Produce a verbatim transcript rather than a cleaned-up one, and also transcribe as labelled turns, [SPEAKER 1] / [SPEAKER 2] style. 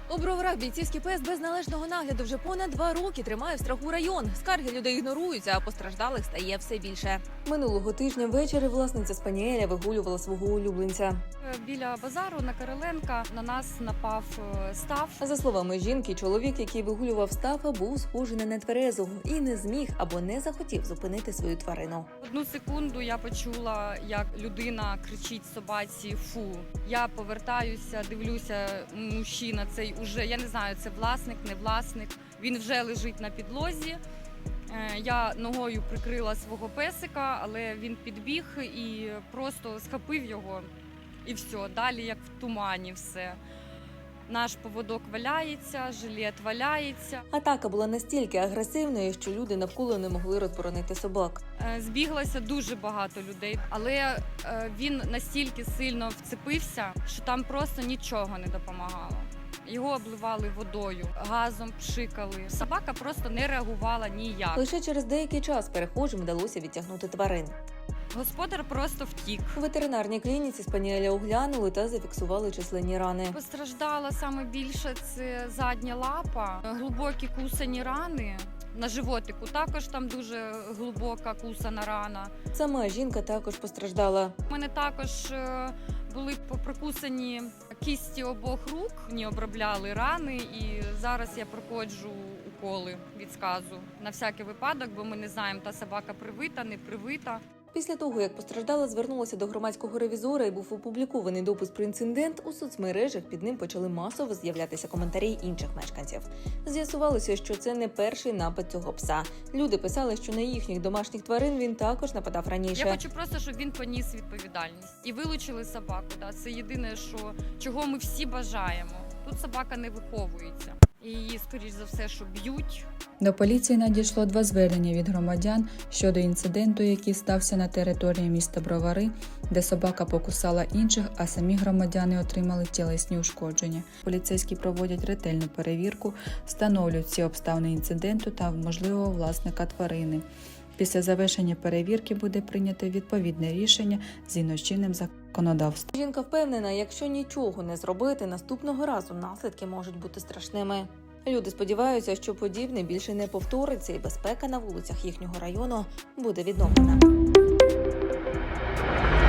[SPEAKER 1] У Броварах бійцівський пес без належного нагляду вже понад два роки тримає в страху район. Скарги людей ігноруються, а постраждалих стає все більше. Минулого тижня ввечері власниця спаніеля вигулювала свого улюбленця.
[SPEAKER 2] Біля базару на Кириленка на нас напав Стаф.
[SPEAKER 1] За словами жінки, чоловік, який вигулював Стафа, був схожий на нетверезого і не зміг або не захотів зупинити свою тварину.
[SPEAKER 2] Одну секунду я почула, як людина кричить собаці «фу». Я повертаюся, дивлюся, мужчина цей уже, я не знаю, це власник, не власник. Він вже лежить на підлозі. Я ногою прикрила свого песика, але він підбіг і просто схопив його. І все, далі як в тумані все. Наш поводок валяється, жилет валяється.
[SPEAKER 1] Атака була настільки агресивною, що люди навколо не могли розборонити собак.
[SPEAKER 2] Збіглося дуже багато людей, але він настільки сильно вцепився, що там просто нічого не допомагало. Його обливали водою, газом пшикали. Собака просто не реагувала ніяк.
[SPEAKER 1] Лише через деякий час перехожим вдалося відтягнути тварин.
[SPEAKER 2] Господар просто втік.
[SPEAKER 1] У ветеринарній клініці спаніеля оглянули та зафіксували численні рани.
[SPEAKER 2] Постраждала саме більше це задня лапа, глибокі кусані рани. На животику також там дуже глибока кусана рана.
[SPEAKER 1] Сама жінка також постраждала.
[SPEAKER 2] У мене також були прикусані кісті обох рук, мені обробляли рани, і зараз я проходжу уколи від сказу. На всякий випадок, бо ми не знаємо, та собака привита, не привита.
[SPEAKER 1] Після того, як постраждала звернулася до громадського ревізора і був опублікований допис про інцидент, у соцмережах під ним почали масово з'являтися коментарі інших мешканців. З'ясувалося, що це не перший напад цього пса. Люди писали, що на їхніх домашніх тварин він також нападав раніше.
[SPEAKER 2] Я хочу просто, щоб він поніс відповідальність. І вилучили собаку. Да? Це єдине, що, чого ми всі бажаємо. Тут собака не виховується. І її, скоріш за все, що б'ють.
[SPEAKER 3] До поліції надійшло два звернення від громадян щодо інциденту, який стався на території міста Бровари, де собака покусала інших, а самі громадяни отримали тілесні ушкодження. Поліцейські проводять ретельну перевірку, встановлюють всі обставини інциденту та можливого власника тварини. Після завершення перевірки буде прийнято відповідне рішення згідно з чинним законодавством.
[SPEAKER 1] Жінка впевнена, якщо нічого не зробити, наступного разу наслідки можуть бути страшними. Люди сподіваються, що подібне більше не повториться і безпека на вулицях їхнього району буде відновлена.